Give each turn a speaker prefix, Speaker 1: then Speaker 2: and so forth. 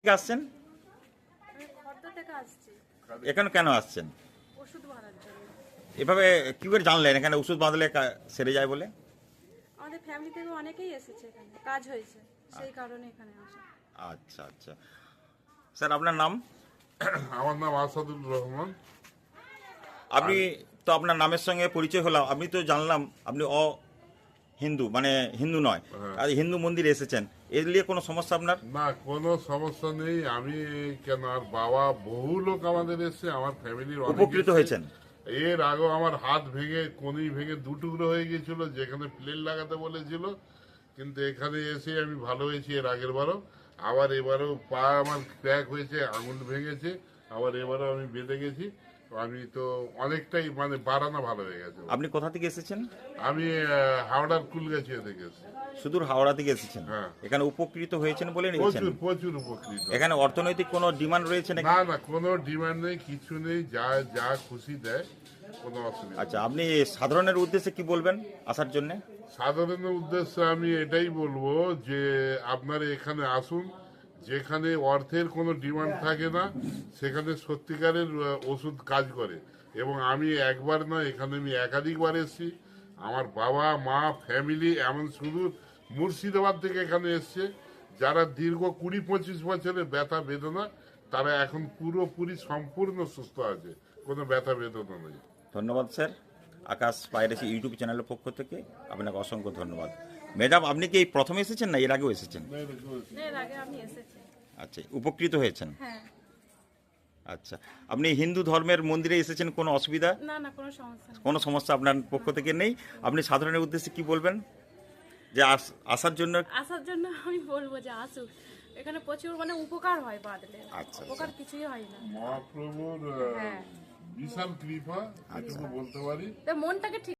Speaker 1: আসছেন?
Speaker 2: আমি খর্দা থেকে আসছি
Speaker 1: এখানে কেন আসছেন?
Speaker 2: ওষুধ বানার জন্য।
Speaker 1: এভাবে কি করে জানলেন এখানে ওষুধ বাঁধলে সেরে যায় বলে?
Speaker 2: আমাদের ফ্যামিলি থেকে অনেকেই এসেছে, এখানে কাজ হয়েছে, সেই কারণে এখানে আসা।
Speaker 1: আচ্ছা আচ্ছা, স্যার আপনার নাম?
Speaker 3: আমার নাম আসাদুল রহমান।
Speaker 1: আপনি তো আপনার নামের সঙ্গে পরিচয় হলাম, আপনি তো জানলাম আপনি হিন্দু, মানে হিন্দু নয়, আর হিন্দু মন্দিরে এসেছেন, এর নিয়ে কোনো সমস্যা আপনার?
Speaker 3: না, কোনো সমস্যা নেই। আমি কেন, আর বাবা বহু লোক আমাদের এসছে, আমার ফ্যামিলির
Speaker 1: উপকৃত হয়েছেন?
Speaker 3: এর আগেও আমার হাত ভেঙে কনুই ভেঙে দুটুকরো হয়ে গিয়েছিল, যেখানে প্লেন লাগাতে বলেছিল, কিন্তু এখানে এসে আমি ভালো হয়েছি। এর আগের বারও, আবার এবারও পা আমার ক্র্যাক হয়েছে, আঙুল ভেঙেছে, আবার এবারও আমি বেঁধে গেছি। আমি তো অনেকটাই মানে বাড়ানো ভালো হয়ে গেছে।
Speaker 1: আপনি কোথা থেকে এসেছেন?
Speaker 3: আমি হাওড়ার কুলগাছিয়া থেকে এসেছি।
Speaker 1: সুদূর হাওড়া থেকে এসেছেন,
Speaker 3: হ্যাঁ।
Speaker 1: এখানে উপকৃত হয়েছেন বলে নিয়েছেন?
Speaker 3: প্রচুর প্রচুর উপকৃত।
Speaker 1: এখানে অর্থনৈতিক কোনো ডিমান্ড রয়েছে নাকি?
Speaker 3: না না, কোনো ডিমান্ড নেই, কিছু নেই, যা যা খুশি দেয়, কোনো অসুবিধা নেই।
Speaker 1: আচ্ছা, আপনি সাধারণের উদ্দেশ্যে কি বলবেন আসার জন্য?
Speaker 3: সাধারণের উদ্দেশ্যে আমি এটাই বলবো যে আপনারা এখানে আসুন, যেখানে অর্থের কোনো ডিমান্ড থাকে না, সেখানে সত্যিকারের ওষুধ কাজ করে। এবং আমি একবার নয়, এখানে আমি একাধিকবার এসেছি। আমার বাবা মা ফ্যামিলি এমন শুধু মুর্শিদাবাদ থেকে এখানে এসছে, যারা দীর্ঘ 20-25 বছরের ব্যথা বেদনা, তারা এখন পুরোপুরি সম্পূর্ণ সুস্থ আছে, কোনো ব্যথা বেদনা নেই।
Speaker 1: ধন্যবাদ স্যার, আকাশ পাইরেসি ইউটিউব চ্যানেলের পক্ষ থেকে আপনাকে অসংখ্য ধন্যবাদ। ম্যাডাম, আপনি কি এই প্রথম এসেছেন না এর আগেও এসেছেন?
Speaker 2: এর আগে আমি এসেছি।
Speaker 1: আচ্ছা, উপকৃত হয়েছেন?
Speaker 2: হ্যাঁ।
Speaker 1: আচ্ছা, আপনি হিন্দু ধর্মের মন্দিরে এসেছেন, কোনো অসুবিধা?
Speaker 2: না না, কোনো সমস্যা নেই।
Speaker 1: কোনো সমস্যা আপনার পক্ষ থেকে নেই? আপনি সাধারণের উদ্দেশ্যে কি বলবেন যে আসার জন্য?
Speaker 2: আসার জন্য আমি বলবো যে আসুক, এখানে প্রচুর মানে উপকার হয় বাদলে,
Speaker 1: আচ্ছা।
Speaker 2: উপকার কিছুই হয় না।
Speaker 3: মহাপ্রভুর
Speaker 2: হ্যাঁ,
Speaker 3: বিশাল কৃপা, এটুকু বলতে পারি।
Speaker 2: তো মনটাকে ঠিক